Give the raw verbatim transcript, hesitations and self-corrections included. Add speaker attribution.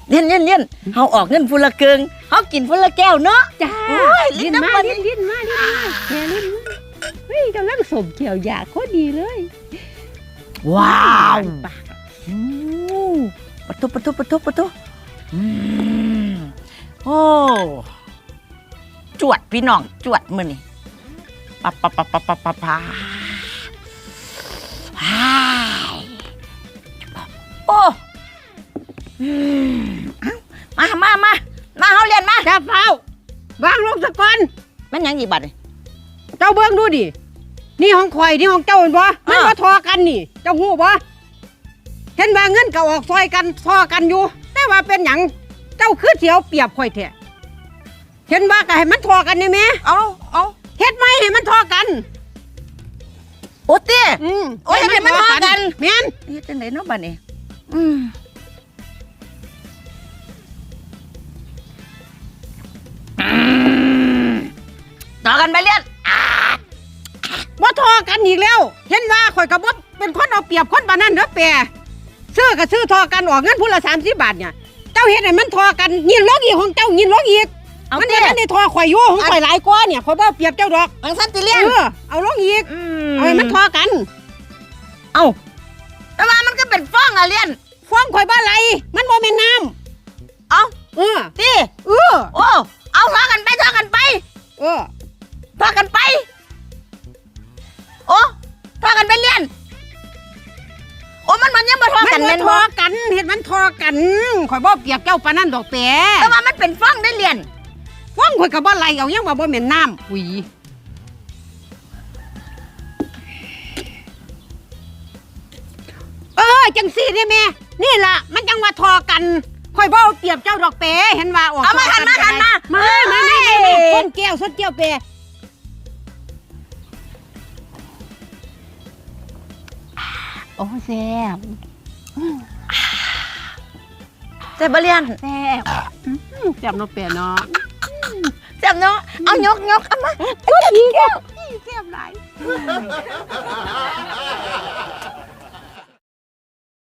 Speaker 1: เลี้ยนเลี้ยนเลี้ยนเฮาออกเงินฟุละเกิงเฮากินฟุละแก้วเนาะ
Speaker 2: จ้า
Speaker 1: โอ้ยลิ้
Speaker 2: ลิ้
Speaker 1: น
Speaker 2: น
Speaker 1: น้ำ
Speaker 2: มา
Speaker 1: มัน
Speaker 2: ลิ้นลิ้นมาลิ้นมาแม่ลิ้นมาเฮ้ยกำลังสมเขียวอยากโคตรดีเลย
Speaker 1: ว้าว
Speaker 2: ปาก
Speaker 1: อืมปะทุปะทุปะทุปะทุอืมโอ้จวดพี่น้องจวดมื้อนี่ปะปะปะปะปะปะปะโอ้มามามามาเฮาเรียนมา
Speaker 2: จ้าเฝ้าวางลงสะก่อน
Speaker 1: แม่นยังอีบัด
Speaker 2: เจ้าเบิ่งดูดินี่ของข่อยนี่ของเจ้าเห็นบ่มันบ่ทอกันนี่เจ้าฮู้บ่เห็นว่าเงินก็ออกซอยกันทอกันอยู่แต่ว่าเป็นหยังเจ้าคือเสียวเปรียบข่อยแท้เห็นว่าก็ให้มันทอกันนี่แม่
Speaker 1: เอาเอา
Speaker 2: เฮ็ดไหมให้มันทอกัน
Speaker 1: โอ้เต้
Speaker 2: อืม
Speaker 1: โอ้ยให้มันทอกัน
Speaker 2: แม่น
Speaker 1: เฮ็ดจังไดเนาะบัดนี้อืมต่อกันไปเรียน
Speaker 2: บ่ทอกันอีกแล้ว เห็นว่าข่อยก็บ่เป็นคนเอาเปรียบคนปานนั้นเด้อแปรซื้อก็ซื้อทอกันออกเงินผู้ละสามสิบบาทเนี่ยเจ้าเฮ็ดให้มันทอกันยินลกอีกของเจ้ายินลกอีก
Speaker 1: เอา
Speaker 2: มัน
Speaker 1: เต้
Speaker 2: จะได้ทอข่อยอยู่ของข่อยหลายกว่าเนี่ยข่อยบ่เอาเปรียบเจ้าดอก
Speaker 1: อังสันติ
Speaker 2: เอ
Speaker 1: เรียน
Speaker 2: อเอาลงอีก
Speaker 1: อื
Speaker 2: เอาให้มันทอกัน
Speaker 1: เอาแต่ว่ามันก็เป็นฟ้องอะเรียน
Speaker 2: ฟ้องข่อยบ่ไหลมันบ่แม่นน้ำ
Speaker 1: เอา
Speaker 2: เออ
Speaker 1: ตี
Speaker 2: เออ
Speaker 1: โอ้เอาทอกันไปทอกันไป
Speaker 2: เออ
Speaker 1: ทอกันไปโอ้ทอกันไปเรียนโอ้มันมันยังบ่ทอ
Speaker 2: มัน
Speaker 1: กัน
Speaker 2: บ่
Speaker 1: แม่น
Speaker 2: ท
Speaker 1: บ่
Speaker 2: อกันเฮ็ดมันทอกันข่อยบ่เปรียบเจ้าปานนั้นดอกแปร
Speaker 1: แต่ว่ามันเป็นฟ้องได้เรียน
Speaker 2: ฟ้องข่อยก็บ่ไหลเอายังว่าบ่แม่นน้ำอุ้ยเออจังซี่นี่แม่นี่ล่ะมันจังว่าทอกันข่อยบ่เอาเปรียบเจ้าดอกเปเห็นว่าออก
Speaker 1: เอามาหันมาหันมา
Speaker 2: มามามามาส้นแก้วส้นแก้วเปโอ้แซ่บ
Speaker 1: เจ็บบ่เรียน
Speaker 2: แซ่บแซ่บเนาะเปเนาะ
Speaker 1: เจ็บเนาะเอายกยกเอามา
Speaker 2: ส้นแก้วแซ่บหลาย